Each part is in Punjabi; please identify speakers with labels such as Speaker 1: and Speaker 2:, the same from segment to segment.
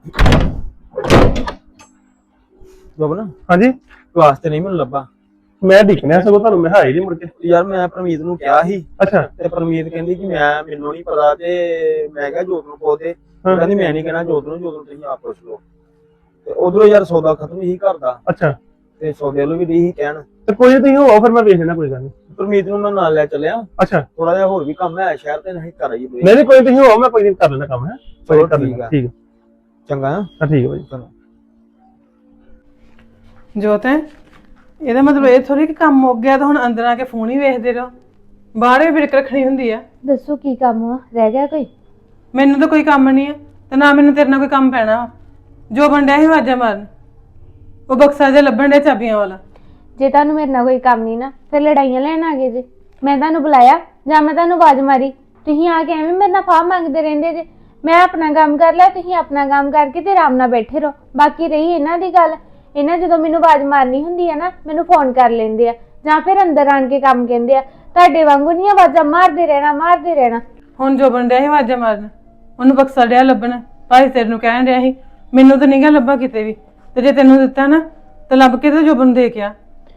Speaker 1: ਜੋਬਨ
Speaker 2: ਹਾਂਜੀ
Speaker 1: ਕਲਾਸ ਤੇ ਨਹੀਂ ਮੈਨੂੰ ਲੱਭਾ।
Speaker 2: ਮੈਂ ਦੇਖਣਿਆ ਸਗੋਂ ਤੁਹਾਨੂੰ ਮੈਂ ਹਾਈ ਨਹੀਂ ਮੁੜ ਕੇ।
Speaker 1: ਯਾਰ ਮੈਂ ਪਰਮੀਤ ਨੂੰ ਕਿਹਾ ਸੀ
Speaker 2: ਅੱਛਾ
Speaker 1: ਤੇ ਪਰਮੀਤ ਕਹਿੰਦੀ ਕਿ ਮੈਨੂੰ ਨਹੀਂ ਪਤਾ ਤੇ ਮੈਂ ਕਿਹਾ ਜੋਤ ਨੂੰ ਪੁੱਛਦੇ। ਕਹਿੰਦੀ ਮੈਂ ਨਹੀਂ ਕਹਿਣਾ ਜੋਤ ਨੂੰ ਤੁਸੀਂ ਆਪ ਪੁੱਛ ਲਓ। ਤੇ ਉਧਰੋਂ ਯਾਰ ਸੌਦਾ ਖਤਮ ਹੀ ਘਰ ਦਾ
Speaker 2: ਅੱਛਾ
Speaker 1: ਤੇ ਸੌਦੇ ਵੱਲੋਂ ਵੀ ਨਹੀਂ ਕਹਿਣ।
Speaker 2: ਤੇ ਕੋਈ ਤੁਸੀਂ ਹੋ ਫਿਰ ਮੈਂ ਵੇਖ ਲੈਣਾ ਕੋਈ ਗੱਲ ਨਹੀਂ।
Speaker 1: ਪਰਮੀਤ ਨੂੰ ਮੈਂ ਨਾਲ ਲੈ ਚੱਲਿਆ।
Speaker 2: ਅੱਛਾ
Speaker 1: ਥੋੜਾ ਜਿਹਾ ਹੋਰ ਵੀ ਕੰਮ ਹੈ ਸ਼ਹਿਰ ਤੇ ਨਹੀਂ ਕਰ ਆਈ।
Speaker 2: ਨਹੀਂ ਕੋਈ ਤੁਸੀਂ ਹੋ ਮੈਂ ਕੋਈ ਨਹੀਂ ਕਰ ਲੈਣਾ ਕੰਮ ਹੈ।
Speaker 1: ਚਲੋ
Speaker 2: ਕਰ
Speaker 1: ਠੀਕ
Speaker 2: ਲੈਣਾ
Speaker 1: ਆ।
Speaker 2: ਠੀਕ ਹੈ
Speaker 1: ਚੰਗਾ
Speaker 2: ਹਾਂ ਠੀਕ ਹੈ ਭਾਈ।
Speaker 1: ਚਲੋ
Speaker 3: ਜੋਤ ਇਹਦਾ ਮਤਲਬ ਇਹ ਥੋੜੀ ਕਿ ਕੰਮ ਮੁੱਕ ਗਿਆ ਤਾਂ ਹੁਣ ਅੰਦਰ ਆ ਕੇ ਫੋਨ ਹੀ ਵੇਖਦੇ ਰਹੋ। ਬਾਹਰ ਵੀ ਬਿਰਕ ਰੱਖਣੀ ਹੁੰਦੀ ਆ।
Speaker 4: ਦੱਸੋ ਕੀ ਕੰਮ ਆ ਰਹਿ ਗਿਆ ਕੋਈ?
Speaker 3: ਮੈਨੂੰ ਤਾਂ ਕੋਈ ਕੰਮ ਨਹੀਂ ਆ ਤੇ ਨਾ ਮੈਨੂੰ ਤੇਰੇ ਨਾਲ ਕੋਈ ਕੰਮ ਪੈਣਾ ਵਾ। ਜੋ ਬੰਡਿਆ ਸੀ ਆਵਾਜ਼ਾਂ ਮਾਰਨ ਉਹ ਬਕਸਾ ਜਿਹਾ ਲੱਭਣ ਡਿਆ ਚਾਬੀਆਂ ਵਾਲਾ।
Speaker 4: ਜੇ ਤੁਹਾਨੂੰ ਮੇਰੇ ਨਾਲ ਕੋਈ ਕੰਮ ਨਹੀਂ ਨਾ ਫਿਰ ਲੜਾਈਆਂ ਲੈਣ ਆ ਗਏ ਜੇ। ਮੈਂ ਤੁਹਾਨੂੰ ਬੁਲਾਇਆ ਜਾਂ ਮੈਂ ਤੁਹਾਨੂੰ ਆਵਾਜ਼ ਮਾਰੀ? ਤੁਸੀਂ ਆ ਕੇ ਐਵੇਂ ਮੇਰੇ ਨਾਲ ਫਾਹ ਮੰਗਦੇ ਰਹਿੰਦੇ ਜੇ। ਮੈਂ ਆਪਣਾ ਕੰਮ ਕਰ ਲਿਆ, ਤੁਸੀਂ ਆਪਣਾ ਕੰਮ ਕਰਕੇ ਤੇ ਆਰਾਮ ਨਾਲ ਬੈਠੇ ਰਹੋ। ਬਾਕੀ ਰਹੀ ਇਹਨਾਂ ਦੀ ਗੱਲ, ਇਹਨਾਂ ਜਦੋਂ ਮੈਨੂੰ ਆਵਾਜ਼ ਮਾਰਨੀ ਹੁੰਦੀ ਆ ਨਾ ਮੈਨੂੰ ਫੋਨ ਕਰ ਲੈਂਦੇ ਆ ਜਾਂ ਫਿਰ ਅੰਦਰ ਆਣ ਕੇ ਕੰਮ ਕਹਿੰਦੇ ਆ। ਤੁਹਾਡੇ ਵਾਂਗੂ ਨਹੀਂ ਆਵਾਜ਼ਾਂ ਮਾਰਦੇ ਰਹਿਣਾ।
Speaker 3: ਹੁਣ ਜੋ ਬੰਡਿਆ ਸੀ ਆਵਾਜ਼ਾਂ ਮਾਰਨ ਉਹਨੂੰ ਬਕਸਾ ਡਿਆ ਲੱਭਣ। ਭਾਈ ਤੇਰੇ ਨੂੰ ਕਹਿਣ ਡਿਆ ਸੀ ਮੈਨੂੰ ਤਾਂ ਨਹੀਂ ਗਾ ਲੱਭਾ ਕਿਤੇ ਵੀ। ਤੇ ਜੇ ਤੈਨੂੰ ਦਿੱਤਾ ਨਾ ਤਾਂ ਲੱਭ ਕੇ ਤੇ ਜੋਬਨ ਦੇ ਕੇ ਆ।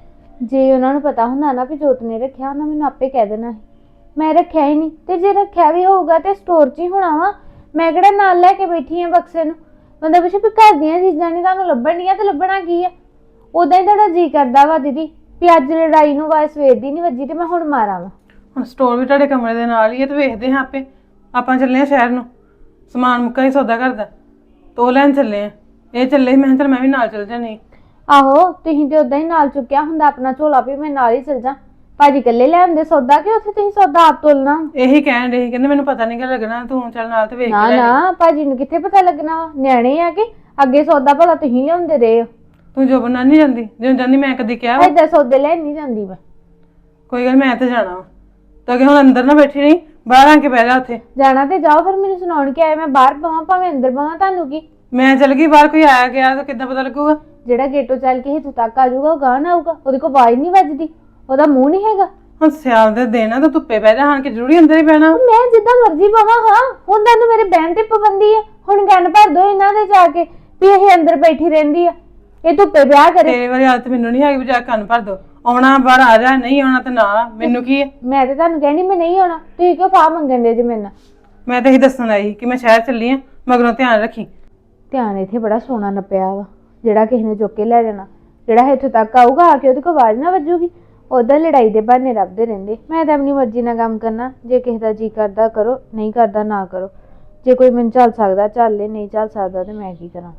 Speaker 4: ਜੇ ਉਹਨਾਂ ਨੂੰ ਪਤਾ ਹੁੰਦਾ ਨਾ ਵੀ ਜੋਤ ਨੇ ਰੱਖਿਆ ਉਹਨਾਂ ਮੈਨੂੰ ਆਪੇ ਕਹਿ ਦੇਣਾ ਸੀ। ਮੈਂ ਰੱਖਿਆ ਹੀ ਨਹੀਂ ਤੇ ਜੇ ਰੱਖਿਆ ਵੀ ਹੋਊਗਾ ਤੇ ਸਟੋਰ 'ਚ ਹੀ ਹੋਣਾ ਵਾ। ਮੈਂ ਕਿਹੜਾ ਨਾਲ ਲੈ ਕੇ ਬੈਠੀ ਆ ਬਕਸੇ ਨੂੰ। ਬੰਦਾ ਪੁੱਛੇ ਵੀ ਘਰ ਦੀਆਂ ਚੀਜ਼ਾਂ ਨਹੀਂ ਤੁਹਾਨੂੰ ਲੱਭਣ ਦੀਆਂ ਤੇ ਲੱਭਣਾ ਕੀ ਆ? ਉਦਾਂ ਹੀ ਤੁਹਾਡਾ ਜੀ ਕਰਦਾ ਵਾ ਦੀਦੀ ਵੀ ਅੱਜ ਲੜਾਈ ਨੂੰ ਆਵਾਜ਼ ਸਵੇਰ ਦੀ ਨਹੀਂ ਵੱਜੀ ਤੇ ਮੈਂ ਹੁਣ ਮਾਰਾਂ ਵਾ।
Speaker 3: ਹੁਣ ਸਟੋਰ ਵੀ ਤੁਹਾਡੇ ਕਮਰੇ ਦੇ ਨਾਲ ਹੀ ਹੈ ਤੇ ਵੇਖਦੇ ਹਾਂ ਆਪੇ। ਆਪਾਂ ਚੱਲੇ ਆ ਸ਼ਹਿਰ ਨੂੰ, ਸਮਾਨ ਮੁੱਕਾ ਹੀ ਸੌਦਾ ਕਰਦਾ ਤੋ ਲੈਣ ਚੱਲੇ ਆ। ਇਹ ਚੱਲੇ ਮੈਂ ਚਲ ਮੈਂ ਵੀ ਨਾਲ ਚੱਲ ਜਾਣੀ।
Speaker 4: ਆਹੋ ਤੁਸੀਂ ਤੇ ਉਦਾਂ ਹੀ ਨਾਲ ਚੁੱਕਿਆ ਹੁੰਦਾ ਆਪਣਾ ਝੋਲਾ ਵੀ ਮੈਂ ਨਾਲ ਹੀ ਚੱਲ ਜਾ। ਭਾਜੀ ਇਕੱਲੇ ਲੈ ਆਉਂਦੇ ਸੌਦਾ ਕਿ ਉੱਥੇ ਤੁਸੀਂ ਸੌਦਾ ਆਪ ਤੋਲਣਾ?
Speaker 3: ਇਹੀ ਕਹਿਣ ਦੇ ਕਹਿੰਦੇ ਮੈਨੂੰ ਪਤਾ ਨਹੀਂ ਕਿ ਲੱਗਣਾ ਤੂੰ ਚੱਲ ਨਾਲ ਤੇ ਵੇਖ
Speaker 4: ਨਾ
Speaker 3: ਲੈ।
Speaker 4: ਨਾ ਭਾਜੀ ਨੂੰ ਕਿੱਥੇ ਪਤਾ ਲੱਗਣਾ ਵਾ? ਨਿਆਣੇ ਆ ਕਿ ਅੱਗੇ ਸੌਦਾ ਭਲਾ ਤੁਸੀਂ ਲਿਆਉਂਦੇ ਰਹੇ ਹੋ।
Speaker 3: ਤੂੰ ਜੋ ਬਣਾ ਨਹੀਂ ਜਾਂਦੀ ਜਿਉਂ ਜਾਂਦੀ ਮੈਂ ਕਦੀ ਕਿਹਾ ਵਾ?
Speaker 4: ਏਦਾਂ ਸੌਦੇ ਲੈਣ ਨਹੀਂ ਜਾਂਦੀ ਮੈਂ।
Speaker 3: ਕੋਈ ਗੱਲ ਮੈਂ ਤੇ ਜਾਣਾ ਵਾ ਤਾਂ ਕਿ ਹੁਣ ਅੰਦਰ ਨਾ ਬੈਠੀ ਨਹੀਂ ਬਾਹਰ ਆ ਕੇ ਬਹਿ ਜਾ ਉੱਥੇ।
Speaker 4: ਜਾਣਾ ਤੇ ਜਾਓ ਫਿਰ ਮੈਨੂੰ ਸੁਣਾਉਣ ਕੇ ਆਏ ਮੈਂ ਬਾਹਰ ਪਵਾਂ ਭਾਵੇਂ ਅੰਦਰ ਪਵਾਂ ਤੁਹਾਨੂੰ ਕੀ?
Speaker 3: ਮੈਂ ਚੱਲ ਗਈ ਬਾਹਰ ਕੋਈ ਆਇਆ ਗਿਆ ਤਾਂ ਕਿੱਦਾਂ ਪਤਾ ਲੱਗੂਗਾ?
Speaker 4: ਜਿਹੜਾ ਗੇਟੋਂ ਚੱਲ ਕੇ ਇੱਥੋਂ ਤੱਕ ਆ ਜਾਊਗਾ ਉਹ ਗਾਹ ਨਾ ਆਊਗਾ। ਉਹਦੇ ਕੋਲ ਆਵਾਜ਼ ਨਹੀਂ ਵੱਜਦੀ, ਉਹਦਾ ਮੂੰਹ ਨਹੀਂ ਹੈਗਾ।
Speaker 3: ਹੁਣ ਸਿਆਲ ਦੇ ਦਿਨ ਆ ਤਾਂ ਧੁੱਪੇ ਬਹਿ ਜਾ। ਹਾਂ ਕਿ ਜ਼ਰੂਰੀ ਅੰਦਰ ਹੀ ਬਹਿਣਾ?
Speaker 4: ਮੈਂ ਜਿੱਦਾਂ ਮਰਜ਼ੀ ਪਵਾਂ। ਹਾਂ ਹੁਣ ਤੁਹਾਨੂੰ ਮੇਰੇ ਬਹਿਣ ਤੇ ਪਾਬੰਦੀ ਆ? ਹੁਣ ਕੰਨ ਭਰ ਦੋ ਇਹਨਾਂ ਦੇ ਜਾ ਕੇ ਵੀ ਇਹ ਅੰਦਰ ਬੈਠੀ ਰਹਿੰਦੀ ਆ, ਇਹ ਧੁੱਪੇ ਵਿਆਹ ਕਰੇ।
Speaker 3: ਤੇਰੇ ਵਾਲੀ ਆਦਤ ਮੈਨੂੰ ਨਹੀਂ ਹੈਗੀ ਵੀ ਜਾ ਕੰਨ ਭਰ ਦੋ। ਆਉਣਾ ਬਾਹਰ ਆ ਜਾ, ਨਹੀਂ ਆਉਣਾ ਤਾਂ ਨਾ। ਮੈਨੂੰ ਕੀ ਹੈ?
Speaker 4: ਮੈਂ ਤੇ ਤੁਹਾਨੂੰ ਕਹਿਣੀ ਮੈਂ ਨਹੀਂ ਆਉਣਾ, ਤੁਸੀਂ ਕਿਉਂ ਫਾਹ ਮੰਗਣ ਦੇ ਜੇ ਮੇਰੇ ਨਾਲ?
Speaker 3: ਮੈਂ ਤਾਂ ਇਹੀ ਦੱਸਣ ਆਈ ਕਿ ਮੈਂ ਸ਼ਹਿਰ ਚੱਲੀ ਆ, ਮਗਰੋਂ ਧਿਆਨ ਰੱਖੀ।
Speaker 4: ਧਿਆਨ ਇੱਥੇ ਬੜਾ ਸੋਨਾ ਨੱਪਿਆ ਵਾ ਜਿਹੜਾ ਕਿਸੇ ਨੇ ਚੁੱਕ ਕੇ ਲੈ ਜਾਣਾ। ਜਿਹੜਾ ਇੱਥੋਂ ਤੱਕ ਆਊਗਾ ਆ ਕੇ ਉਹਦੇ ਕੋਲ ਆਵਾਜ਼ ਨਾ ਵੱਜੂਗੀ। ਉਦਾਂ ਲੜਾਈ ਦੇ ਬਹਾਨੇ ਲੱਭਦੇ ਰਹਿੰਦੇ। ਮੈਂ ਤਾਂ ਆਪਣੀ ਮਰਜ਼ੀ ਨਾਲ ਕੰਮ ਕਰਨਾ। ਜੇ ਕਿਸੇ ਦਾ ਜੀ ਕਰਦਾ ਕਰੋ, ਨਹੀਂ ਕਰਦਾ ਨਾ ਕਰੋ। ਜੇ ਕੋਈ ਮੈਨੂੰ ਚੱਲ ਸਕਦਾ ਚੱਲ ਲੈ, ਨਹੀਂ ਚੱਲ ਸਕਦਾ ਤੇ ਮੈਂ ਕੀ ਕਰਾਂ?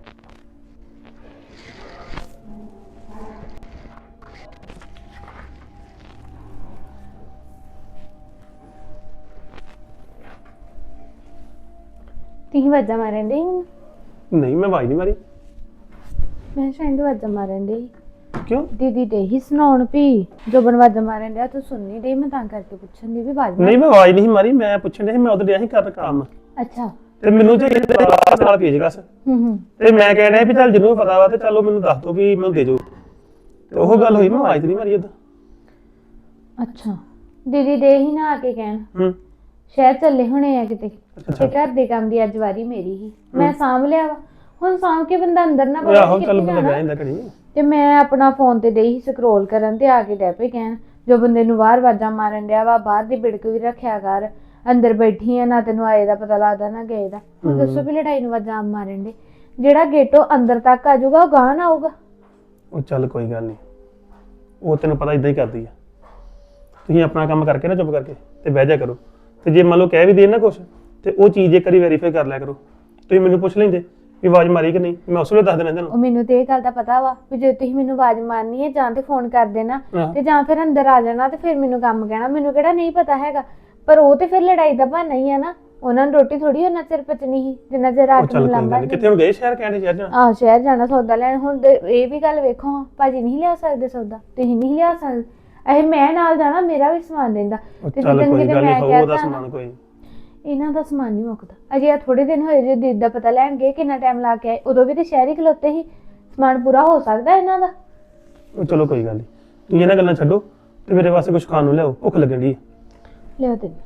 Speaker 4: ਤੁਸੀਂ ਆਵਾਜ਼ਾਂ ਮਾਰਨ ਦੇ ਮੈਨੂੰ?
Speaker 2: ਨਹੀਂ ਮੈਂ ਆਵਾਜ਼ ਨਹੀਂ ਮਾਰੀ।
Speaker 4: ਮੈਂ ਸ਼ਾਇਦ ਆਵਾਜ਼ਾਂ ਮਾਰਨ ਦੇ।
Speaker 2: ਕਿਉਂ?
Speaker 4: ਦੀਦੀ ਦੇ ਹੀ ਸੁਣਾਉਣ ਵੀ ਜੋਬਨ ਆਵਾਜ਼ਾਂ ਮਾਰਨ ਡਿਆ ਤੂੰ ਸੁਣਨੀ ਦੇ। ਮੈਂ ਤਾਂ ਕਰਕੇ ਪੁੱਛਣ ਦੀ ਵੀ ਆਵਾਜ਼
Speaker 2: ਨਹੀਂ ਮੈਂ ਆਵਾਜ਼ ਨਹੀਂ ਮਾਰੀ। ਮੈਂ ਪੁੱਛਣ ਡਿਆ ਸੀ ਮੈਂ ਉਧਰ ਡਿਆ ਸੀ ਕਰਨ ਕੰਮ
Speaker 4: ਅੱਛਾ।
Speaker 2: ਤੇ ਮੈਨੂੰ ਤੇ ਨਾਲ ਭੇਜ ਗਸ ਤੇ ਮੈਂ ਕਹਿ ਰਿਹਾ ਵੀ ਚੱਲ ਜਿਹਨੂੰ ਪਤਾ ਵਾ ਤੇ ਚਲੋ ਮੈਨੂੰ ਦੱਸ ਦੋ ਵੀ ਮੈਨੂੰ ਦੇ ਦਿਓ। ਤੇ ਉਹ ਗੱਲ ਹੋਈ ਮੈਂ ਆਵਾਜ਼ ਨਹੀਂ ਮਾਰੀ ਉਦੋਂ।
Speaker 4: ਅੱਛਾ ਦੀਦੀ ਦੇ ਹੀ ਨਾ ਆ ਕੇ ਕਹਿਣ ਸ਼ਹਿਰ ਚੱਲੇ ਹੋਣੇ ਆ ਕਿਤੇ ਤੇ ਘਰ ਦੇ ਕੰਮ ਦੀ ਅੱਜ ਵਾਰੀ ਮੇਰੀ ਹੀ। ਮੈਂ ਸਾਂਭ ਲਿਆ ਵਾ। ਹੁਣ ਸਾਂਭ ਕੇ ਬੰਦਾ ਅੰਦਰ ਨਾ
Speaker 2: ਬੜੇ ਆਹੋ ਚੱਲ ਬੰਦਾ ਬਹਿ ਜਾਂਦਾ ਘੜੀ।
Speaker 4: ਤੇ ਮੈਂ ਆਪਣਾ ਫੋਨ ਤੇ ਡਈ ਸਕਰੋਲ ਕਰਨ ਤੇ ਆ ਕੇ ਡੈ ਪਏ ਕਹਿਣ ਜੋ ਬੰਦੇ ਨੂੰ ਬਾਹਰ ਆਵਾਜ਼ਾਂ ਮਾਰਨ ਡਿਆ ਵਾ ਬਾਹਰ ਦੀ ਬਿੜਕ ਵੀ ਰੱਖਿਆ ਕਰ। ਅੰਦਰ ਬੈਠੀ ਆ ਨਾ ਤੈਨੂੰ ਆਏ ਦਾ ਪਤਾ ਲੱਗਦਾ ਨਾ ਗਏ ਦਾ। ਹੁਣ ਦੱਸੋ ਵੀ ਲੜਾਈ ਨੂੰ ਆਵਾਜ਼ਾਂ ਮਾਰਨ ਦੇ ਜਿਹੜਾ ਗੇਟੋਂ ਅੰਦਰ ਤੱਕ ਆ ਜਾਊਗਾ ਉਹ ਗਾਹ ਨਾ ਆਊਗਾ।
Speaker 2: ਉਹ ਚੱਲ ਕੋਈ ਗੱਲ ਨਹੀਂ, ਉਹ ਤੈਨੂੰ ਪਤਾ ਇਦਾਂ ਹੀ ਕਰਦੀ ਆ। ਤੁਸੀਂ ਆਪਣਾ ਕੰਮ ਕਰਕੇ ਨਾ ਚੁੱਪ ਕਰਕੇ ਤੇ ਬਹਿ ਜਾ ਕਰੋ। ਤੇ ਜੇ ਮੰਨ ਲਓ ਕਹਿ ਵੀ ਦੇ ਨਾ ਕੁਛ ਤੇ ਉਹ ਚੀਜ਼ ਇੱਕ ਵਾਰੀ ਵੈਰੀਫਾਈ ਕਰ ਲਿਆ ਕਰੋ। ਤੁਸੀਂ ਮੈਨੂੰ ਪੁੱਛ ਲੈਂਦੇ ਵੀ ਆਵਾਜ਼ ਮਾਰੀ ਕਿ ਨਹੀਂ, ਮੈਂ ਉਸ ਵੇਲੇ ਦੱਸ ਦੇਣਾ
Speaker 4: ਉਹ
Speaker 2: ਤੁਹਾਨੂੰ।
Speaker 4: ਮੈਨੂੰ ਤੇ ਇਹ ਗੱਲ ਦਾ ਪਤਾ ਵਾ ਵੀ ਜੇ ਤੁਸੀਂ ਮੈਨੂੰ ਆਵਾਜ਼ ਮਾਰਨੀ ਹੈ ਜਾਂ ਤੇ ਫੋਨ ਕਰ ਦੇਣਾ ਤੇ ਜਾਂ ਫਿਰ ਅੰਦਰ ਆ ਜਾਣਾ ਤੇ ਫਿਰ ਮੈਨੂੰ ਕੰਮ ਕਹਿਣਾ। ਮੈਨੂੰ ਕਿਹੜਾ ਨਹੀਂ ਪਤਾ ਹੈਗਾ। ਪਰ ਉਹ ਤੇ ਫਿਰ ਲੜਾਈ ਦਾ ਬਹਾਨਾ ਹੀ ਆ ਨਾ। ਉਹਨਾਂ ਨੂੰ ਰੋਟੀ ਥੋੜੀ ਉਹਨਾਂ ਚਿਰ ਪਚਣੀ ਸੀ ਜਿੰਨਾ ਚਿਰ ਰਾਤ ਨੂੰ ਲੰਬਾ।
Speaker 2: ਕਿੱਥੇ ਹੁਣ ਗਏ ਸ਼ਹਿਰ? ਕਹਿੰਦੇ ਸ਼ਹਿਰ ਜਾਣਾ?
Speaker 4: ਆਹ ਸ਼ਹਿਰ ਜਾਣਾ ਸੌਦਾ ਲੈਣ। ਹੁਣ ਇਹ ਵੀ ਗੱਲ ਵੇਖੋ ਭਾਜੀ ਨਹੀਂ ਲਿਆ ਸਕਦੇ ਸੌਦਾ, ਤੁਸੀਂ ਨਹੀਂ ਲਿਆ ਸਕਦੇ। ਇਹ ਮੈਂ ਨਾਲ ਜਾਣਾ ਮੇਰਾ ਵੀ ਸਮਾਨ ਦਿੰਦਾ ਤੇ
Speaker 2: ਚੱਲ
Speaker 4: ਜਿੱਦਣ
Speaker 2: ਕੋਈ
Speaker 4: ਕਿਤੇ
Speaker 2: ਗੱਲ
Speaker 4: ਮੈਂ
Speaker 2: ਨਹੀਂ, ਉਹਦਾ
Speaker 4: ਕਹਿਤਾ
Speaker 2: ਸਮਾਨ ਕੋਈ
Speaker 4: ਇਹਨਾਂ ਦਾ ਸਮਾਨ ਨਹੀਂ ਮੁੱਕਦਾ। ਅਜੇ ਆ ਥੋੜੇ ਦਿਨ ਹੋਏ ਜੇ ਦੀਦ ਦਾ ਪਤਾ ਲੈਣ ਗਏ ਕਿੰਨਾ ਟਾਈਮ ਲਾ ਕੇ ਆਏ। ਉਦੋਂ ਵੀ ਤੇ ਸ਼ਹਿਰ ਹੀ ਖਲੋਤੇ ਸੀ। ਸਮਾਨ ਪੂਰਾ ਹੋ ਸਕਦਾ ਇਹਨਾਂ ਦਾ।
Speaker 2: ਉਹ ਚਲੋ ਕੋਈ ਗੱਲ ਨਹੀਂ, ਤੁਸੀਂ ਇਹਨਾਂ ਗੱਲਾਂ ਛੱਡੋ ਤੇ ਮੇਰੇ ਵਾਸਤੇ ਕੁਝ ਖਾਣ ਨੂੰ ਲਿਆਓ, ਭੁੱਖ ਲੱਗਣ ਦੀ।
Speaker 4: ਲਿਆ ਤੇ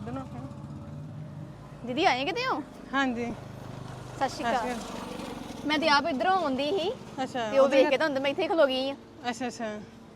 Speaker 3: ਇੱਧਰ ਨੂੰ
Speaker 5: ਦੀਦੀ ਆਏ ਕਿਤੇ ਹੋ?
Speaker 3: ਹਾਂਜੀ
Speaker 5: ਸਤਿ ਸ਼੍ਰੀ ਅਕਾਲ। ਮੈਂ ਤੇ ਆਪ ਇਧਰੋਂ ਆਉਂਦੀ ਸੀ
Speaker 3: ਅੱਛਾ
Speaker 5: ਤੇ ਉਹ ਵੇਖ ਕੇ ਤਾਂ ਹੁੰਦਾ ਮੈਂ ਇੱਥੇ ਖਲੋ ਗਈ ਆ।
Speaker 3: ਅੱਛਾ ਅੱਛਾ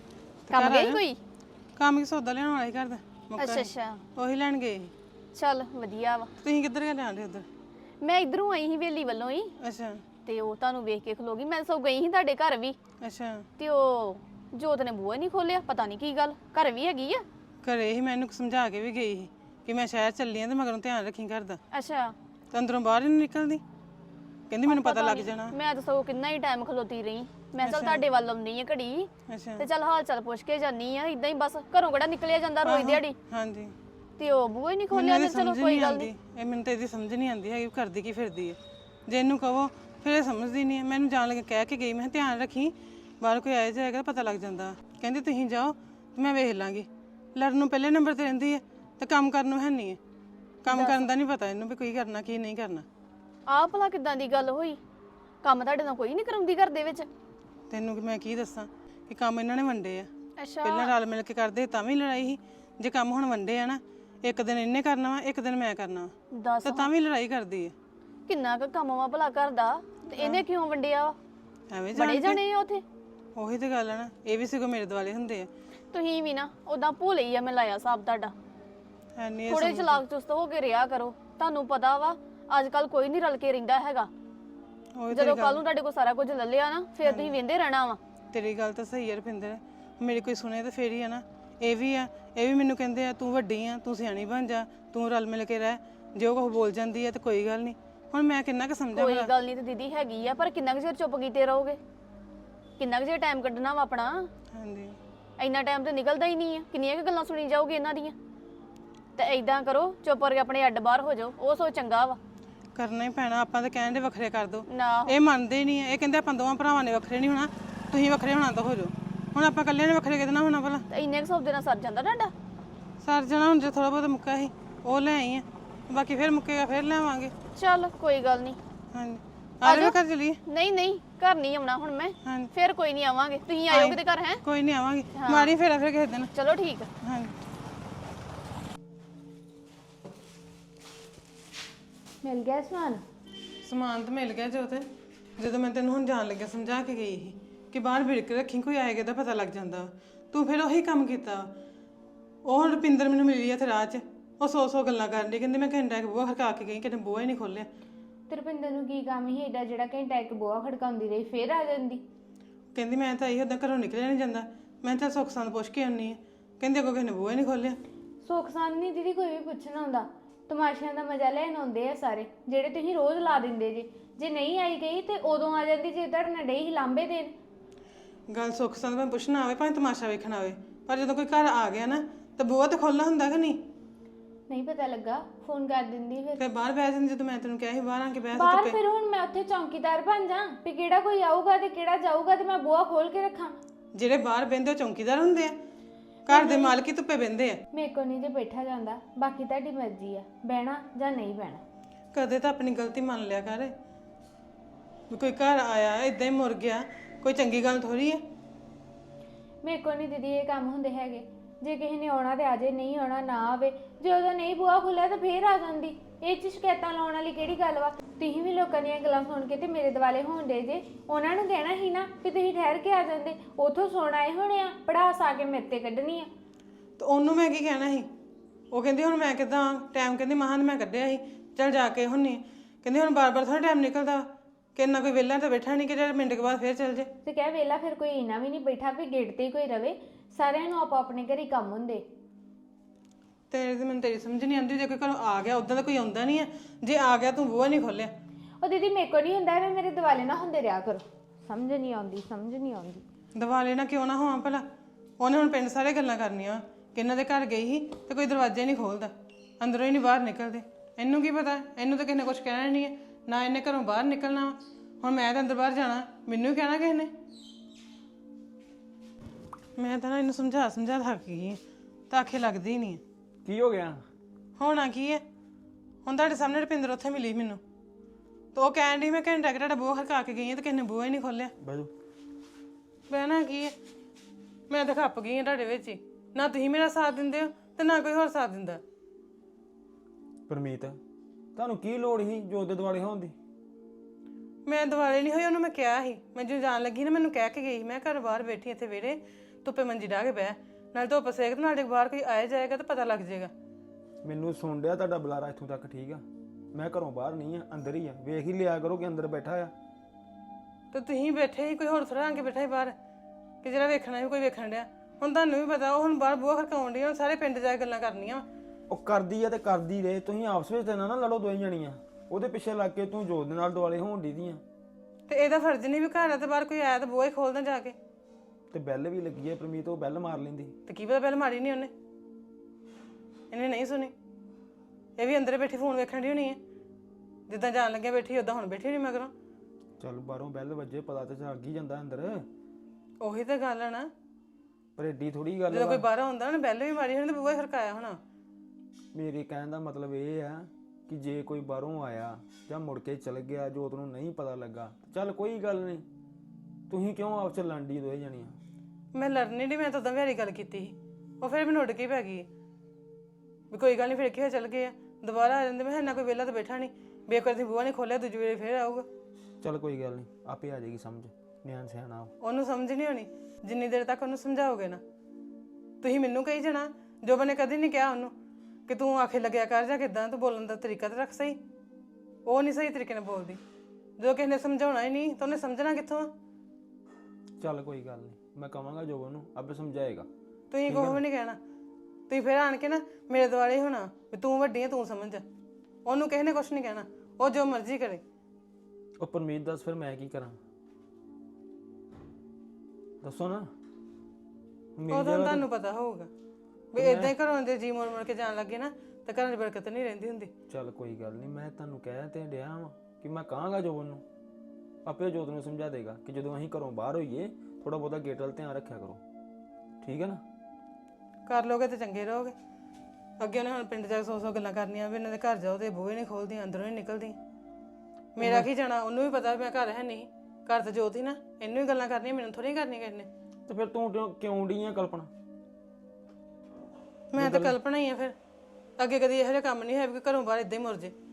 Speaker 5: ਕੰਮ ਗਈ ਕੋਈ?
Speaker 3: ਕੰਮ ਕੀ ਸੌਦਾ ਲੈਣ ਵਾਲਾ ਹੀ ਘਰ ਦਾ ਮੁੱਕਾ
Speaker 5: ਅੱਛਾ
Speaker 3: ਸੀ।
Speaker 5: ਅੱਛਾ
Speaker 3: ਉਹੀ ਲੈਣ ਗਏ ਸੀ।
Speaker 5: ਚੱਲ ਵਧੀਆ ਵਾ।
Speaker 3: ਤੁਸੀਂ ਕਿੱਧਰ ਗਏ ਜਾਂਦੇ ਉਧਰ?
Speaker 5: ਮੈਂ ਇਧਰੋਂ ਆਈ ਸੀ ਵੇਲੀ ਵੱਲੋਂ ਹੀ
Speaker 3: ਅੱਛਾ
Speaker 5: ਤੇ ਉਹ ਤੁਹਾਨੂੰ ਵੇਖ ਕੇ ਖਲੋ ਗਈ। ਮੈਂ ਸੋ ਗਈ ਸੀ ਤੁਹਾਡੇ ਘਰ ਵੀ
Speaker 3: ਅੱਛਾ
Speaker 5: ਤੇ ਉਹ ਜੋਤ ਨੇ ਬੂਹਾ ਨਹੀਂ ਖੋਲਿਆ, ਪਤਾ ਨਹੀਂ ਕੀ ਗੱਲ। ਘਰ ਵੀ ਹੈਗੀ ਆ?
Speaker 3: ਘਰੇ ਹੀ ਮੈਨੂੰ ਸਮਝਾ ਕੇ ਵੀ ਗਈ ਸੀ ਕਿ ਮੈਂ ਸ਼ਹਿਰ ਚੱਲੀ ਆ ਤੇ ਮਗਰੋਂ ਧਿਆਨ ਰੱਖੀ ਘਰ ਦਾ।
Speaker 5: ਅੱਛਾ
Speaker 3: ਤੇ ਅੰਦਰੋਂ ਬਾਹਰ ਹੀ ਨਹੀਂ ਨਿਕਲਦੀ, ਕਹਿੰਦੀ ਮੈਨੂੰ ਪਤਾ ਲੱਗ ਜਾਣਾ।
Speaker 5: ਮੈਂ ਤਾਂ ਸੋ ਕਿੰਨਾ ਹੀ ਟਾਈਮ ਖਲੋਤੀ ਰਹੀ। ਮੈਂ ਚੱਲ ਤੁਹਾਡੇ ਵੱਲ ਆਉਂਦੀ ਆ ਘੜੀ
Speaker 3: ਅੱਛਾ
Speaker 5: ਤੇ ਚੱਲ ਹਾਲ ਚਾਲ ਪੁੱਛ ਕੇ ਜਾਨੀ ਆ। ਇਦਾਂ ਹੀ ਬਸ ਘਰੋਂ ਕਿਹੜਾ ਨਿਕਲਿਆ ਜਾਂਦਾ ਰੋਜ਼ ਦਿਹਾੜੀ।
Speaker 3: ਹਾਂਜੀ
Speaker 5: ਤੇ ਉਹ ਬੂਹਾ ਹੀ ਨਹੀਂ ਖੋਲਿਆ ਤੇ ਚਲੋ ਕੋਈ ਗੱਲ ਨਹੀਂ।
Speaker 3: ਇਹ ਮੈਨੂੰ ਤਾਂ ਇਹਦੀ ਸਮਝ ਨਹੀਂ ਆਉਂਦੀ ਹੈਗੀ ਕਰਦੀ ਕੀ ਫਿਰਦੀ ਹੈ। ਜੇ ਇਹਨੂੰ ਕਹੋ ਫਿਰ ਇਹ ਸਮਝਦੀ ਨਹੀਂ ਹੈ। ਮੈਨੂੰ ਜਾਣ ਲੱਗੇ ਕਹਿ ਕੇ ਗਈ, ਮੈਂ ਕਿਹਾ ਧਿਆਨ ਰੱਖੀ ਬਾਹਰ ਕੋਈ ਆਇਆ ਜਾਏਗਾ ਪਤਾ ਲੱਗ ਜਾਂਦਾ। ਕਹਿੰਦੀ ਤੁਸੀਂ ਜਾਓ ਤੇ ਮੈਂ ਵੇਖ ਲਾਂਗੀ। ਲੜਨ ਨੂੰ ਪਹਿਲੇ ਨੰਬਰ ਤੇ ਰਹਿੰਦੀ ਹੈ ਤੇ ਕੰਮ ਕਰਨ ਨੂੰ ਹੈ ਨਹੀਂ ਹੈ। ਕੰਮ ਕਰਨ ਦਾ ਨਹੀਂ ਪਤਾ ਇਹਨੂੰ ਵੀ ਕੀ ਕਰਨਾ ਕੀ ਨਹੀਂ ਕਰਨਾ।
Speaker 5: ਆਹ ਭਲਾ ਕਿਦਾਂ ਦੀ ਗੱਲ ਹੋਈ? ਕੰਮ ਤੁਹਾਡੇ ਨਾਲ ਕੋਈ ਨਹੀਂ ਕਰਾਉਂਦੀ ਘਰ ਦੇ ਵਿੱਚ?
Speaker 3: ਤੈਨੂੰ ਮੈਂ ਕੀ ਦੱਸਾਂ ਕਿ ਕੰਮ ਇਹਨਾਂ ਨੇ ਵੰਡੇ ਆ।
Speaker 5: ਅੱਛਾ
Speaker 3: ਪਹਿਲਾਂ ਰਲ ਮਿਲ ਕੇ ਕਰਦੇ ਤਾਂ ਵੀ ਲੜਾਈ ਸੀ। ਜੇ ਕੰਮ ਹੁਣ ਵੰਡੇ ਆ ਨਾ, ਇੱਕ ਦਿਨ ਇਹਨੇ ਕਰਨਾ ਵਾ ਇੱਕ ਦਿਨ ਮੈਂ ਕਰਨਾ ਵਾ,
Speaker 5: ਦੱਸ
Speaker 3: ਤਾਂ ਵੀ ਲੜਾਈ ਕਰਦੀ ਹੈ।
Speaker 5: ਕਿੰਨਾ ਕੁ ਕੰਮ ਵਾ ਭਲਾ ਘਰ ਦਾ ਤੇ ਇਹਨੇ ਕਿਉਂ ਵੰਡਿਆ ਵਾ?
Speaker 3: ਐਵੇਂ
Speaker 5: ਬੜੇ ਜਾਣੇ ਆ ਉਥੇ।
Speaker 3: ਉਹੀ ਤੇ ਗੱਲ ਹੈ ਨਾ, ਇਹ ਵੀ ਸਿਗੋ ਮੇਰੇ ਦੁਆਲੇ ਹੁੰਦੇ ਆ।
Speaker 5: ਤੁਸੀਂ ਵੀ ਨਾ ਉਦਾਂ ਭੁੱਲ ਹੀ ਆ। ਮੈਂ ਲਾਇਆ ਹਿਸਾਬ ਤੁਹਾਡਾ।
Speaker 3: ਹੈ ਨਹੀਂ
Speaker 5: ਥੋੜੇ ਚਲਾਕ ਚੁਸਤ ਹੋ ਕੇ ਰਿਹਾ ਕਰੋ। ਤੁਹਾਨੂੰ ਪਤਾ ਵਾ ਅੱਜ ਕੱਲ ਕੋਈ ਨਹੀਂ ਰਲ ਕੇ ਰਹਿੰਦਾ ਹੈਗਾ।
Speaker 3: ਉਹੀ
Speaker 5: ਜਦੋਂ ਕੱਲ ਨੂੰ ਤੁਹਾਡੇ ਕੋਲ ਸਾਰਾ ਕੁਝ ਲੈ ਲਿਆ ਨਾ ਫਿਰ ਤੁਸੀਂ ਵੇਂਦੇ ਰਹਿਣਾ ਵਾ।
Speaker 3: ਤੇਰੀ ਗੱਲ ਤਾਂ ਸਹੀ ਹੈ ਰੁਪਿੰਦਰ, ਮੇਰੀ ਕੋਈ ਸੁਣੇ ਤਾਂ ਫੇਰ ਹੀ ਆ ਨਾ। ਇਹ ਵੀ ਮੈਨੂੰ ਕਹਿੰਦੇ ਆ ਤੂੰ ਵੱਡੀ ਆ, ਤੂੰ ਸਿਆਣੀ ਬਣ ਜਾ, ਤੂੰ ਰਲ ਮਿਲ ਕੇ ਰਹਿ। ਜੇ ਉਹ ਕੁਛ ਬੋਲ ਜਾਂਦੀ ਹੈ ਤਾਂ ਕੋਈ ਗੱਲ ਨਹੀਂ। ਹੁਣ ਮੈਂ ਕਿੰਨਾ ਕੁ ਸਮਝਾਂ?
Speaker 5: ਕੋਈ ਗੱਲ ਨਹੀਂ ਤੇ ਦੀਦੀ ਹੈਗੀ ਆ, ਪਰ ਕਿੰਨਾ ਕੁ ਚਿਰ ਚੁੱਪ ਕੀਤੇ ਰਹੋਗੇ? ਕਿੰਨਾ ਕੁ ਚਿਰ ਟਾਈਮ ਕੱਢਣਾ ਵਾ ਆਪਣਾ?
Speaker 3: ਹਾਂਜੀ
Speaker 5: ਇੰਨਾ ਟਾਈਮ ਤੇ ਨਿਕਲਦਾ ਹੀ ਨਹੀਂ ਆ। ਕਿੰਨੀਆਂ ਕੁ ਗੱਲਾਂ ਸੁਣੀ ਜਾਓਗੇ ਇਹਨਾਂ ਦੀਆਂ? ਤੇ ਏਦਾਂ ਕਰੋ ਚੁੱਪ ਕਰਕੇ ਆਪਣੇ ਅੱਡ ਬਾਹਰ ਹੋ ਜਾਓ। ਉਹ ਸੋ ਚੰਗਾ ਵਾ।
Speaker 3: ਕਰਨਾ ਹੀ ਪੈਣਾ। ਆਪਾਂ ਤਾਂ ਕਹਿਣ ਦੇ ਵੱਖਰੇ ਕਰ ਦੋ,
Speaker 5: ਨਾ
Speaker 3: ਇਹ ਮੰਨਦੇ ਹੀ ਨਹੀਂ। ਇਹ ਕਹਿੰਦੇ ਆਪਾਂ ਦੋਵਾਂ ਭਰਾਵਾਂ ਨੇ ਵੱਖਰੇ ਨਹੀਂ ਹੋਣਾ, ਤੁਸੀਂ ਵੱਖਰੇ ਹੋਣਾ ਤਾਂ ਹੋ ਜਾਓ। ਹੁਣ ਆਪਾਂ ਇਕੱਲਿਆਂ ਨੇ ਵੱਖਰੇ ਕਿਹਦੇ ਨਾਲ ਹੋਣਾ ਭਲਾ?
Speaker 5: ਤੇ ਇੰਨੇ ਕੁ ਸੌਦੇ ਨਾਲ ਸਰ ਜਾਂਦਾ ਤੁਹਾਡਾ?
Speaker 3: ਸਰ ਜਣਾ ਹੁਣ ਜੇ ਥੋੜਾ ਬਹੁਤ ਮੁੱਕਾ ਸੀ ਉਹ ਲੈ ਆਈ ਆ, ਬਾਕੀ ਫਿਰ ਮੁੱਕੇਗਾ ਫਿਰ ਲੈਵਾਂਗੇ।
Speaker 5: ਚੱਲ ਕੋਈ ਗੱਲ ਨਹੀਂ।
Speaker 3: ਹਾਂਜੀ ਆ ਜਾਓ ਘਰ ਚਲੀਏ।
Speaker 5: ਨਹੀਂ ਨਹੀਂ ਘਰ ਨਹੀਂ ਆਉਣਾ ਹੁਣ ਮੈਂ।
Speaker 3: ਹਾਂਜੀ
Speaker 5: ਫਿਰ ਕੋਈ ਨਹੀਂ ਆਵਾਂਗੇ। ਤੁਸੀਂ ਆਇਓ ਕਿਤੇ ਘਰ ਹੈ?
Speaker 3: ਕੋਈ ਨਹੀਂ ਆਵਾਂਗੇ, ਮਾਰੀ ਫੇਰਾ ਫਿਰ ਕਿਸੇ ਦਿਨ।
Speaker 5: ਚਲੋ ਠੀਕ ਆ।
Speaker 3: ਹਾਂਜੀ
Speaker 4: ਮਿਲ ਗਿਆ ਸਮਾਨ?
Speaker 3: ਸਮਾਨ ਤਾਂ ਮਿਲ ਗਿਆ ਜੋ ਤੇ ਜਦੋਂ ਮੈਂ ਤੈਨੂੰ ਹੁਣ ਜਾਣ ਲੱਗਿਆ ਸਮਝਾ ਕੇ ਗਈ ਸੀ ਕਿ ਬਾਹਰ ਭਿੜ ਕੇ ਰੱਖੀ, ਕੋਈ ਆਏਗਾ ਤਾਂ ਪਤਾ ਲੱਗ ਜਾਂਦਾ। ਤੂੰ ਫਿਰ ਉਹੀ ਕੰਮ ਕੀਤਾ। ਉਹ ਰੁਪਿੰਦਰ ਮੈਨੂੰ ਮਿਲੀ ਆ ਤੇ ਰਾਹ 'ਚ, ਉਹ ਸੌ ਗੱਲਾਂ ਕਰਨ ਡਈ। ਕਹਿੰਦੀ ਮੈਂ ਘੰਟਾ ਇੱਕ ਬੂਹਾ ਖੜਕਾ ਕੇ ਗਈ, ਕਿਤੇ ਬੂਹਾ ਹੀ ਨਹੀਂ ਖੋਲਿਆ।
Speaker 4: ਰੁਪਿੰਦਰ ਨੂੰ ਕੀ ਕੰਮ ਸੀ ਏਡਾ ਜਿਹੜਾ ਘੰਟਾ ਇੱਕ ਬੂਹਾ ਖੜਕਾਉਂਦੀ ਰਹੀ ਫੇਰ ਆ ਜਾਂਦੀ?
Speaker 3: ਕਹਿੰਦੀ ਮੈਂ ਤਾਂ ਇਹ ਉਦਾਂ ਘਰੋਂ ਨਿਕਲਿਆ ਨਹੀਂ ਜਾਂਦਾ, ਮੈਂ ਤਾਂ ਸੁੱਖ ਸੰਦ ਪੁੱਛ ਕੇ ਆਉਣੀ ਆ। ਕਹਿੰਦੀ ਅੱਗੋਂ ਕਿਸੇ ਨੇ ਬੂਹਾ ਹੀ ਨਹੀਂ ਖੋਲਿਆ।
Speaker 4: ਸੁੱਖ ਸੰਦ ਨਹੀਂ ਦੀਦੀ ਕੋਈ ਵੀ ਪੁੱਛਣਾ ਹੁੰਦਾ। ਤਮਾਸ਼ਿਆਂ ਦਾ ਮਜ਼ਾ ਲੈਣ ਆਉਂਦੇ ਆ ਸਾਰੇ, ਜਿਹੜੇ ਤੁਸੀਂ ਰੋਜ਼ ਲਾ ਦਿੰਦੇ ਜੇ ਨਹੀਂ ਆਈ ਗਈ ਤੇ ਉਦੋਂ ਆ ਜਾਂਦੀ ਜੇ ਤੁਹਾਡੇ ਨਾਲ ਡਈ ਹੀ ਲਾਂਬੇ ਦੇਣ।
Speaker 3: ਗੱਲ ਸੁੱਖ ਸੰਦ ਭਾਵੇਂ ਪੁੱਛਣਾ ਆਵੇ ਭਾਵੇਂ ਤਮਾਸ਼ਾ ਵੇਖਣਾ ਆਵੇ, ਪਰ ਜਦੋਂ ਕੋਈ ਘਰ ਆ ਗਿਆ ਨਾ ਤਾਂ ਬੂਹਾ ਤਾਂ ਖੋਲ੍ਹਣਾ ਹੁੰਦਾ ਕਿ ਨਹੀਂ?
Speaker 4: ਨਹੀਂ ਪਤਾ ਲੱਗਾ ਫੋਨ ਕਰ ਦਿੰਦੀ ਫਿਰ
Speaker 3: ਬਾਹਰ ਬਹਿ ਜਾਂਦੀ ਜਦੋਂ ਮੈਂ ਤੈਨੂੰ ਕਿਹਾ ਸੀ ਬਾਹਰ ਆ ਕੇ ਬਹਿ
Speaker 4: ਬਾਹਰ। ਫਿਰ ਹੁਣ ਮੈਂ ਉੱਥੇ ਚੌਂਕੀਦਾਰ ਬਣ ਜਾ ਵੀ ਕਿਹੜਾ ਕੋਈ ਆਊਗਾ ਤੇ ਕਿਹੜਾ ਜਾਊਗਾ ਤੇ ਮੈਂ ਬੂਹਾ ਖੋਲ ਕੇ ਰੱਖਾਂ?
Speaker 3: ਜਿਹੜੇ ਬਾਹਰ ਬਹਿੰਦੇ ਉਹ ਚੌਂਕੀਦਾਰ ਹੁੰਦੇ ਆ, ਘਰ ਦੇ ਮਾਲਕ ਹੀ ਧੁੱਪੇ ਬਹਿੰਦੇ ਆ।
Speaker 4: ਮੇਰੇ ਕੋਲ ਨਹੀਂ ਜੇ ਬੈਠਾ ਜਾਂਦਾ, ਬਾਕੀ ਤੁਹਾਡੀ ਮਰਜ਼ੀ ਆ ਬਹਿਣਾ ਜਾਂ ਨਹੀਂ ਬਹਿਣਾ।
Speaker 3: ਕਦੇ ਤਾਂ ਆਪਣੀ ਗਲਤੀ ਮੰਨ ਲਿਆ ਕਰ। ਵੀ ਕੋਈ ਘਰ ਆਇਆ ਇਦਾਂ ਹੀ ਮੁਰ ਗਿਆ, ਕੋਈ ਚੰਗੀ ਗੱਲ ਥੋੜੀ ਹੈ।
Speaker 4: ਮੇਰੇ ਕੋਲ ਨਹੀਂ ਦੀਦੀ ਇਹ ਕੰਮ ਹੁੰਦੇ ਹੈਗੇ। ਜੇ ਕਿਸੇ ਨੇ ਆਉਣਾ ਤੇ ਆ ਜਾਏ, ਨਹੀਂ ਆਉਣਾ ਨਾ ਆਵੇ। ਜੇ ਉਹਦਾ ਨਹੀਂ ਬੂਹਾ ਖੁੱਲਿਆ ਤਾਂ ਫੇਰ ਆ ਜਾਂਦੀ। ਇਹ 'ਚ ਸ਼ਿਕਾਇਤਾਂ ਲਾਉਣ ਵਾਲੀ ਕਿਹੜੀ ਗੱਲ ਵਾ? ਤੁਸੀਂ ਵੀ ਲੋਕਾਂ ਦੀਆਂ ਗੱਲਾਂ ਸੁਣ ਕੇ ਤੇ ਮੇਰੇ ਦੁਆਲੇ ਹੋਣ ਦੇ ਜੇ। ਉਹਨਾਂ ਨੂੰ ਕਹਿਣਾ ਸੀ ਨਾ ਕਿ ਤੁਸੀਂ ਠਹਿਰ ਕੇ ਆ ਜਾਂਦੇ। ਉੱਥੋਂ ਸੁਣ ਆਏ ਹੋਣੇ ਆ, ਪੜਾਸ ਆ ਕੇ ਮੇਰੇ ਤੇ ਕੱਢਣੀ ਆ।
Speaker 3: ਤੇ ਉਹਨੂੰ ਮੈਂ ਕੀ ਕਹਿਣਾ ਸੀ? ਉਹ ਕਹਿੰਦੀ ਹੁਣ ਮੈਂ ਕਿੱਦਾਂ ਟਾਈਮ, ਕਹਿੰਦੀ ਮਹਾਂ ਮੈਂ ਕੱਢਿਆ ਸੀ, ਚੱਲ ਜਾ ਕੇ ਹੁੰਨੀ। ਕਹਿੰਦੀ ਹੁਣ ਬਾਰ-ਬਾਰ ਥੋੜਾ ਟਾਈਮ ਨਿਕਲਦਾ ਕਿ ਇੰਨਾ ਕੋਈ ਵਿਹਲਾ ਤਾਂ ਬੈਠਾ ਨਹੀਂ ਕਿ ਜਿਹੜਾ ਮਿੰਟ ਕੇ ਬਾਅਦ ਫੇਰ ਚੱਲ ਜੇ।
Speaker 4: ਤੇ ਕਹਿ ਵੇਲਾ ਫਿਰ ਕੋਈ ਇੰਨਾ ਵੀ ਨਹੀਂ ਬੈਠਾ ਵੀ ਗੇਟ ਤੇ ਹੀ ਕੋਈ ਰਵੇ। ਸਾਰਿਆਂ ਨੂੰ ਆਪੋ ਆਪਣੇ ਘਰ ਹੀ ਕੰਮ ਹੁੰਦੇ।
Speaker 3: ਤੇ ਮੈਨੂੰ ਤੇਰੀ ਸਮਝ ਨਹੀਂ ਆਉਂਦੀ। ਜੇ ਕੋਈ ਘਰੋਂ ਆ ਗਿਆ ਉਦਾਂ ਤਾਂ ਕੋਈ ਆਉਂਦਾ ਨਹੀਂ ਹੈ, ਜੇ ਆ ਗਿਆ ਤੂੰ ਬੂਹਾ ਨਹੀਂ ਖੋਲਿਆ।
Speaker 4: ਉਹ ਦੀਦੀ ਮੇਰੇ ਕੋਲ ਨਹੀਂ ਹੁੰਦਾ, ਐਵੇਂ ਮੇਰੇ ਦਿਵਾਲੇ ਨਾ ਹੁੰਦੇ ਰਿਹਾ ਕਰੋ। ਸਮਝ ਨਹੀਂ ਆਉਂਦੀ, ਸਮਝ ਨਹੀਂ ਆਉਂਦੀ।
Speaker 3: ਦਿਵਾਲੇ ਨਾ ਕਿਉਂ ਨਾ ਹੋਵਾਂ ਭਲਾ? ਉਹਨੇ ਹੁਣ ਪਿੰਡ ਸਾਰੇ ਗੱਲਾਂ ਕਰਨੀਆਂ ਕਿ ਇਹਨਾਂ ਦੇ ਘਰ ਗਈ ਸੀ ਤੇ ਕੋਈ ਦਰਵਾਜ਼ੇ ਨਹੀਂ ਖੋਲਦਾ, ਅੰਦਰੋਂ ਹੀ ਨਹੀਂ ਬਾਹਰ ਨਿਕਲਦੇ। ਇਹਨੂੰ ਕੀ ਪਤਾ? ਇਹਨੂੰ ਤਾਂ ਕਿਸੇ ਨੇ ਕੁਝ ਕਹਿਣਾ ਨਹੀਂ ਹੈ, ਨਾ ਇਹਨੇ ਘਰੋਂ ਬਾਹਰ ਨਿਕਲਣਾ ਵਾ। ਹੁਣ ਮੈਂ ਤਾਂ ਅੰਦਰ ਬਾਹਰ ਜਾਣਾ, ਮੈਨੂੰ ਹੀ ਕਹਿਣਾ ਕਿਸੇ ਨੇ। ਮੈਂ ਤਾਂ ਨਾ ਇਹਨੂੰ ਸਮਝਾ ਥੱਕ ਗਈ ਹਾਂ, ਤਾਂ ਆਖੇ ਲੱਗਦੀ ਨਹੀਂ।
Speaker 1: ਕੀ ਹੋ ਗਿਆ?
Speaker 3: ਹੋਣਾ ਕੀ ਹੈ? ਹੁਣ ਤੁਹਾਡੇ ਸਾਹਮਣੇ ਰੁਪਿੰਦਰ ਉੱਥੇ ਮਿਲੀ ਮੈਨੂੰ, ਤਾਂ ਉਹ ਕਹਿਣ ਡਈ ਮੈਂ ਘੰਟਾ ਕਿ ਤੁਹਾਡਾ ਬੂਹਾ ਖੜਕਾ ਕੇ ਗਈ ਹਾਂ ਤੇ ਕਿਸੇ ਨੇ ਬੂਹਾ ਹੀ ਨਹੀਂ ਖੋਲਿਆ।
Speaker 1: ਬਾਜੂ
Speaker 3: ਬਹਿਣਾ ਕੀ ਹੈ? ਮੈਂ ਤਾਂ ਖੱਪ ਗਈ ਹਾਂ ਤੁਹਾਡੇ ਵਿੱਚ ਹੀ। ਨਾ ਤੁਸੀਂ ਮੇਰਾ ਸਾਥ ਦਿੰਦੇ ਹੋ ਤੇ ਨਾ ਕੋਈ ਹੋਰ ਸਾਥ ਦਿੰਦਾ।
Speaker 1: ਪਰਮੀਤ ਤੁਹਾਨੂੰ ਕੀ ਲੋੜ ਸੀ ਜੋਤ ਦੇ ਦੁਆਲੇ ਹੋਣ ਦੀ?
Speaker 3: ਮੈਂ ਦੁਆਲੇ ਨਹੀਂ ਹੋਈ, ਉਹਨੂੰ ਮੈਂ ਕਿਹਾ ਸੀ, ਮੈਂ ਜਦੋਂ ਜਾਣ ਲੱਗੀ ਨਾ ਮੈਨੂੰ ਕਹਿ ਕੇ ਗਈ, ਮੈਂ ਘਰ ਬਾਹਰ ਬੈਠੀ ਇੱਥੇ ਵਿਹੜੇ ਧੁੱਪੇ ਮੰਜੀ ਢਾ ਕੇ ਬਹਿ, ਨਾਲ ਧੁੱਪ ਸੇਕ ਤੇ ਨਾਲੇ ਬਾਹਰ ਕੋਈ ਆਇਆ ਜਾਏਗਾ ਤਾਂ ਪਤਾ ਲੱਗ ਜਾਏਗਾ।
Speaker 1: ਮੈਨੂੰ ਸੁਣ ਡਿਆ ਤੁਹਾਡਾ ਬੁਲਾਰਾ ਇੱਥੋਂ ਤੱਕ, ਠੀਕ ਆ? ਮੈਂ ਘਰੋਂ ਬਾਹਰ ਨਹੀਂ ਆ, ਅੰਦਰ ਹੀ ਆ। ਵੇਖ ਹੀ ਲਿਆ ਕਰੋ ਕਿ ਅੰਦਰ ਬੈਠਾ ਆ।
Speaker 3: ਤੇ ਤੁਸੀਂ ਬੈਠੇ ਹੀ, ਕੋਈ ਹੋਰ ਥੋੜਾ ਆ ਕੇ ਬੈਠਾ ਹੀ ਬਾਹਰ ਕਿ ਜਿਹੜਾ ਵੇਖਣਾ ਵੀ ਕੋਈ ਵੇਖਣ ਡਿਆ। ਹੁਣ ਤੁਹਾਨੂੰ ਵੀ ਪਤਾ ਉਹ ਹੁਣ ਬਾਹਰ ਬੂਹਾ ਖੜਕਾਉਣ ਡਈ, ਹੁਣ ਸਾਰੇ ਪਿੰਡ ਜਾ ਕੇ ਗੱਲਾਂ ਕਰਨੀਆਂ।
Speaker 1: ਉਹ ਕਰਦੀ ਆ ਤੇ ਕਰਦੀ ਰਹੇ, ਤੁਸੀਂ ਆਪਸ ਵਿੱਚ ਤੇ ਨਾ ਲੜੋ ਦੋਈ ਜਣੀਆਂ। ਉਹਦੇ ਪਿੱਛੇ ਲੱਗ ਕੇ ਤੂੰ ਜੋਤ ਦੇ ਨਾਲ ਦੁਆਲੇ ਹੋਣ ਦੀ ਦੀਆਂ।
Speaker 3: ਤੇ ਇਹਦਾ ਫਰਜ਼ ਨਹੀਂ ਵੀ ਘਰ ਆ ਤੇ ਬਾਹਰ ਕੋਈ ਆਇਆ ਤਾਂ ਬੂਹਾ ਹੀ ਖੋਲਦਾ ਜਾ ਕੇ।
Speaker 1: ਤੇ ਬੈਲ ਵੀ ਲੱਗੀ ਹੈ ਪਰਮੀਤ, ਉਹ ਬੈਲ ਮਾਰ ਲੈਂਦੀ।
Speaker 3: ਤੇ ਕੀ ਪਤਾ ਪਹਿਲ ਮਾਰੀ ਨਹੀਂ ਉਹਨੇ, ਇਹਨੇ ਨਹੀਂ ਸੁਣੀ। ਇਹ ਵੀ ਅੰਦਰ ਬੈਠੀ ਫੋਨ ਵੇਖਣ ਦੀ ਹੋਣੀ ਹੈ, ਜਿੱਦਾਂ ਜਾਣ ਲੱਗਿਆ ਬੈਠੀ ਉਦਾਂ ਹੁਣ ਬੈਠੀ ਨਹੀਂ ਮਗਰੋਂ।
Speaker 1: ਚੱਲ ਬਾਹਰੋਂ ਬੈਲ ਵੱਜੇ ਪਤਾ ਤੇ ਲੱਗ ਹੀ ਜਾਂਦਾ ਅੰਦਰ।
Speaker 3: ਉਹੀ ਤਾਂ ਗੱਲ ਆ ਨਾ,
Speaker 1: ਪਰ ਏਡੀ ਥੋੜੀ ਗੱਲ
Speaker 3: ਜਦੋਂ ਕੋਈ ਬਾਹਰੋਂ ਆਉਂਦਾ ਉਹਨੇ ਬੈਲ ਵੀ ਮਾਰੀ ਹੋਣੀ ਤੇ ਬੂਹਾ ਹੀ ਖੜਕਾਇਆ ਹੋਣਾ।
Speaker 1: ਮੇਰੇ ਕਹਿਣ ਦਾ ਮਤਲਬ ਇਹ ਆ ਕਿ ਜੇ ਕੋਈ ਬਾਹਰੋਂ ਆਇਆ ਜਾਂ ਮੁੜ ਕੇ ਚਲ ਗਿਆ, ਜੋਤ ਨੂੰ ਨਹੀਂ ਪਤਾ ਲੱਗਾ, ਚੱਲ ਕੋਈ ਗੱਲ ਨਹੀਂ। ਤੁਸੀਂ ਕਿਉਂ ਆਪਸ ਚ ਲੜਦੀ ਦੋਏ ਜਣੀਆਂ?
Speaker 3: ਮੈਂ ਲੜਨੀ ਨਹੀਂ, ਮੈਂ ਤਾਂ ਉਦਾਂ ਵਿਹਾਰੀ ਗੱਲ ਕੀਤੀ ਸੀ। ਉਹ ਫਿਰ ਮੈਨੂੰ ਉੱਡ ਕੇ ਪੈ ਗਈ ਵੀ ਕੋਈ ਗੱਲ ਨਹੀਂ, ਫਿਰ ਕੀ ਹੋਇਆ ਚੱਲ ਗਏ ਆ, ਦੁਬਾਰਾ ਆ ਜਾਂਦੇ। ਮੈਂ ਇੰਨਾ ਕੋਈ ਵਿਹਲਾ ਤਾਂ ਬੈਠਾ ਨਹੀਂ, ਬੇਕਰ ਦੀ ਬੂਹਾ ਨਹੀਂ ਖੋਲਿਆ, ਦੂਜੀ ਵੇਲੇ ਫਿਰ ਆਊਗਾ।
Speaker 1: ਚੱਲ ਕੋਈ ਗੱਲ ਨਹੀਂ, ਆਪੇ ਆ ਜਾਏਗੀ ਸਮਝ। ਨਿਆਣ ਸਿਆਣਾ
Speaker 3: ਉਹਨੂੰ ਸਮਝ ਨਹੀਂ ਆਉਣੀ ਜਿੰਨੀ ਦੇਰ ਤੱਕ ਉਹਨੂੰ ਸਮਝਾਓਗੇ ਨਾ। ਤੁਸੀਂ ਮੈਨੂੰ ਕਹੀ ਜਾਣਾ, ਜੋਬਨ ਨੇ ਕਦੀ ਨਹੀਂ ਕਿਹਾ ਉਹਨੂੰ ਕਿ ਤੂੰ ਆਖੇ ਲੱਗਿਆ ਕਰ ਜਾਂ ਕਿਦਾਂ, ਤੂੰ ਬੋਲਣ ਦਾ ਤਰੀਕਾ ਤਾਂ ਰੱਖ ਸਹੀ। ਉਹ ਨਹੀਂ ਸਹੀ ਤਰੀਕੇ ਨਾਲ ਬੋਲਦੀ। ਜਦੋਂ ਕਿਸੇ ਨੇ ਸਮਝਾਉਣਾ ਹੀ ਨਹੀਂ ਤਾਂ ਉਹਨੇ ਸਮਝਣਾ ਕਿੱਥੋਂ?
Speaker 1: ਚੱਲ ਕੋਈ ਗੱਲ ਨਹੀਂ, ਮੈਂ ਕਹਾਂਗਾ ਜੋਬਨ ਨੂੰ, ਆਪੇ ਸਮਝਾਏਗਾ।
Speaker 3: ਤੁਸੀਂ ਕੁਛ ਵੀ ਨਹੀਂ ਕਹਿਣਾ। ਤੁਸੀਂ ਫਿਰ ਆਣ ਕੇ ਨਾ ਮੇਰੇ ਦੁਆਲੇ ਹੋਣਾ ਵੀ ਤੂੰ ਵੱਡੀ ਆ ਤੂੰ ਸਮਝ। ਉਹਨੂੰ ਕਿਸੇ ਨੇ ਕੁਛ ਨਹੀਂ ਕਹਿਣਾ, ਉਹ ਜੋ ਮਰਜ਼ੀ ਕਰੇ।
Speaker 1: ਉਹ ਪਰਮੀਤ ਦੱਸ ਫਿਰ ਮੈਂ ਕੀ ਕਰਾਂ? ਦੱਸੋ ਨਾ।
Speaker 3: ਉਦੋਂ ਤੁਹਾਨੂੰ ਪਤਾ ਹੋਊਗਾ ਵੀ ਇਦਾਂ ਹੀ ਘਰੋਂ ਦੇ ਜੀ ਮੁੜ ਕੇ ਜਾਣ ਲੱਗੇ ਨਾ ਤਾਂ ਘਰਾਂ 'ਚ ਬਰਕਤ ਨਹੀਂ ਰਹਿੰਦੀ ਹੁੰਦੀ।
Speaker 1: ਚੱਲ ਕੋਈ ਗੱਲ ਨਹੀਂ, ਮੈਂ ਤੁਹਾਨੂੰ ਕਹਿ ਤੇ ਡਿਆ ਵਾਂ ਕਿ ਮੈਂ ਕਹਾਂਗਾ ਜੋਬਨ ਨੂੰ, ਆਪੇ ਜੋਤ ਨੂੰ ਸਮਝਾ ਦੇਗਾ ਕਿ ਜਦੋਂ ਅਸੀਂ ਘਰੋਂ ਬਾਹਰ ਹੋਈਏ ਥੋੜਾ ਬਹੁਤਾ ਗੇਟ ਵੱਲ ਧਿਆਨ ਰੱਖਿਆ ਕਰੋ, ਠੀਕ ਹੈ ਨਾ?
Speaker 3: ਕਰ ਲੋਗੇ ਤੇ ਚੰਗੇ ਰਹੋਗੇ। ਅੱਗੇ ਉਹਨੇ ਹੁਣ ਪਿੰਡ ਜਾ ਕੇ 100 ਗੱਲਾਂ ਕਰਨੀਆਂ ਵੀ ਇਹਨਾਂ ਦੇ ਘਰ ਜਾਓ ਤੇ ਬੂਹੇ ਨਹੀਂ ਖੋਲਦੀਆਂ, ਅੰਦਰੋਂ ਹੀ ਨਿਕਲਦੀਆਂ। ਮੇਰਾ ਕੀ ਜਾਣਾ, ਉਹਨੂੰ ਵੀ ਪਤਾ ਮੈਂ ਘਰ ਹੈ ਨਹੀਂ, ਘਰ ਤਾਂ ਜੋਤ ਹੀ ਨਾ, ਇਹਨੂੰ ਹੀ ਗੱਲਾਂ ਕਰਨੀਆਂ, ਮੈਨੂੰ ਥੋੜੀ ਕਰਨੀਆਂ ਕਿਸੇ ਨੇ।
Speaker 1: ਤੇ ਫਿਰ ਤੂੰ ਕਿਉਂ ਡੀ ਆ ਕਲਪਨਾ?
Speaker 3: ਮੈਂ ਤਾਂ ਕਲਪਨਾ ਹੀ ਆ ਫਿਰ। ਅੱਗੇ ਕਦੀ ਇਹੋ ਜਿਹਾ ਕੰਮ ਨਹੀਂ ਹੋਇਆ ਵੀ ਘਰੋਂ ਬਾਹਰ ਇਦਾਂ ਹੀ ਮੁਰ ਜੇ।